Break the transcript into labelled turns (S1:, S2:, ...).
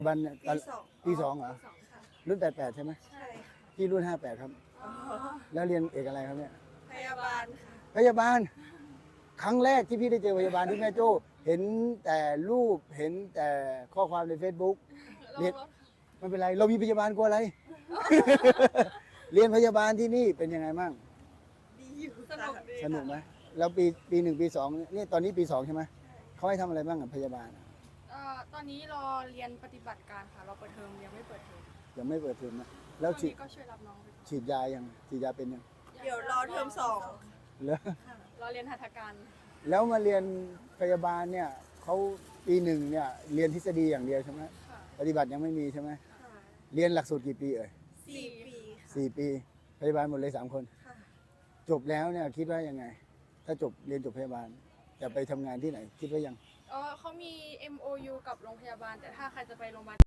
S1: บันเนี่ย ปีสองเหรอ
S2: สองค่ะ
S1: รุ่น88ใช่ไหม
S2: ใช่ค่ะ
S1: พี่รุ่น58ครับ
S2: อ๋อ
S1: แล้วเรียนเอกอะไรครับเนี่ย
S2: พยาบาลค่ะ
S1: พยาบาล ครั้งแรกที่พี่ได้เจอพยาบาลที่แม่โจ้เห็นแต่รูปเห็นแต่ข้อความใน Facebook เรียนไม่เป็นไร เรามีพยาบาลกลัวอะไร เรียนพยาบาลที่นี่เป็นยังไงบ้าง
S2: ดีอยู่
S3: สนุกดี
S1: สนุกไหมแล้วปีหนึ่งปีสองนี่ตอนนี้ปีสองใช่ไหมเขาให้ทำอะไรบ้างกับพยาบาล
S3: ตอนนี้รอเรียนปฏิบัติการค่ะ เราเปิดเทอมยังไม่เปิดเทอม
S1: ยังไม่เปิดเทอมนะแล้
S3: ต
S1: ว
S3: อน
S1: ฉีด
S3: นี้ก็ช่วยรับน้องไปก่อน
S1: ฉีดยายังฉีดยาเป็นยัง
S2: เดี๋ยวรอเทอมสอง
S1: แล้ว
S3: รอเรียนหัตถการ
S1: แล้วมาเรียนพยาบาลเนี่ยเขาปีหนึ่งเนี่ยเรียนทฤษฎีอย่างเดียวใช่ไหม
S3: ค่ะ
S1: ปฏิบัติยังไม่มีใช่ไหม
S2: ค่ะ
S1: เรียนหลักสูตรกี่ปีเอ่ย
S2: 4 ปีค่ะ
S1: 4 ปีพยาบาลหมดเลย3 คน
S2: ค่ะ
S1: จบแล้วเนี่ยคิดว่ายังไง ถ้าจบเรียนจบพยาบาลจะไปทำงานที่ไหน คิดว่ายัง
S3: เขามี MOU กับโรงพยาบาล แต่ถ้าใครจะไปโรงพยาบาล